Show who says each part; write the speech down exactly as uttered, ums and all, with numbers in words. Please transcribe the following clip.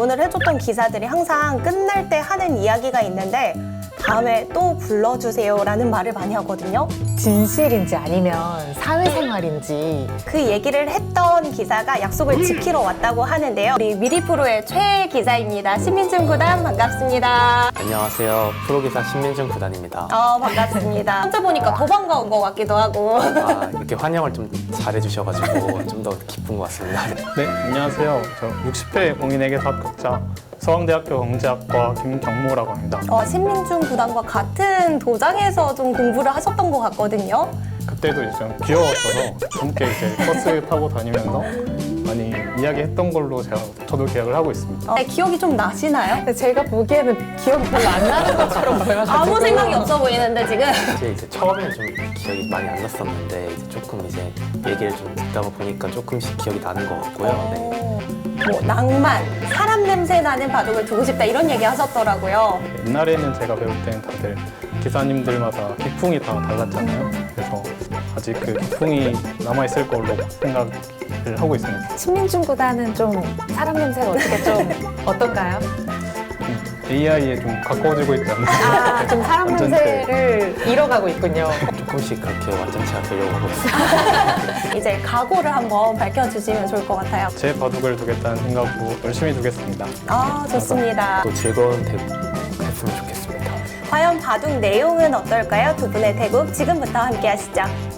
Speaker 1: 질문을 해줬던 기사들이 항상 끝날 때 하는 이야기가 있는데 다음에 또 불러주세요 라는 말을 많이 하거든요.
Speaker 2: 진실인지 아니면 사회생활인지.
Speaker 1: 그 얘기를 했던 기사가 약속을 지키러 왔다고 하는데요. 우리 미리프로의 최 기자입니다. 신민준 구단 반갑습니다.
Speaker 3: 안녕하세요. 프로기사 신민준 구단입니다.
Speaker 1: 어, 반갑습니다. 혼자 보니까 더 반가운 것 같기도 하고.
Speaker 3: 아, 이렇게 환영을 좀 잘해주셔가지고 좀 더 기쁜 것 같습니다.
Speaker 4: 네, 안녕하세요. 저 육십 회 공인회계사 합격자 서강대학교 경제학과 김경모라고 합니다.
Speaker 1: 어, 신민준 구단과 같은 도장에서 좀 공부를 하셨던 것 같거든요.
Speaker 4: 그때도 이제 좀 귀여웠어서 함께 이제 버스 타고 다니면서 많이 이야기했던 걸로 제가 저도 기억을 하고 있습니다.
Speaker 1: 어, 네, 기억이 좀 나시나요?
Speaker 2: 근데 제가 보기에는 기억이 별로 안 나는 것처럼 보여가지고.
Speaker 1: 아무 생각이 없어 보이는데 지금.
Speaker 3: 사실 이제 처음에는 좀 기억이 많이 안 났었는데 이제 조금 이제 얘기를 좀 듣다 보니까 조금씩 기억이 나는 것 같고요. 네.
Speaker 1: 어, 뭐 낭만, 사람 냄새 나는 바둑을 두고 싶다 이런 얘기 하셨더라고요.
Speaker 4: 옛날에는 제가 배울 때는 다들 기사님들마다 기풍이 다 달랐잖아요. 그래서 아직 그 기풍이 남아있을 걸로 생각을 하고 있습니다.
Speaker 2: 신민준 구단은 좀 사람 냄새가 어떻게 좀 어떤가요?
Speaker 4: 에이아이에 좀 가까워지고 있지 않나.
Speaker 2: 아, 좀 사람
Speaker 4: 완전체.
Speaker 2: 냄새를 잃어가고 있군요.
Speaker 3: 조금씩 그렇게 완전체가 되려고 하고 있습니다.
Speaker 1: 이제 각오를 한번 밝혀주시면 좋을 것 같아요.
Speaker 4: 제 바둑을 두겠다는 생각으로 열심히 두겠습니다.
Speaker 1: 아, 좋습니다.
Speaker 3: 또 즐거운 대국 했으면 좋겠습니다.
Speaker 1: 과연 바둑 내용은 어떨까요? 두 분의 대국 지금부터 함께 하시죠.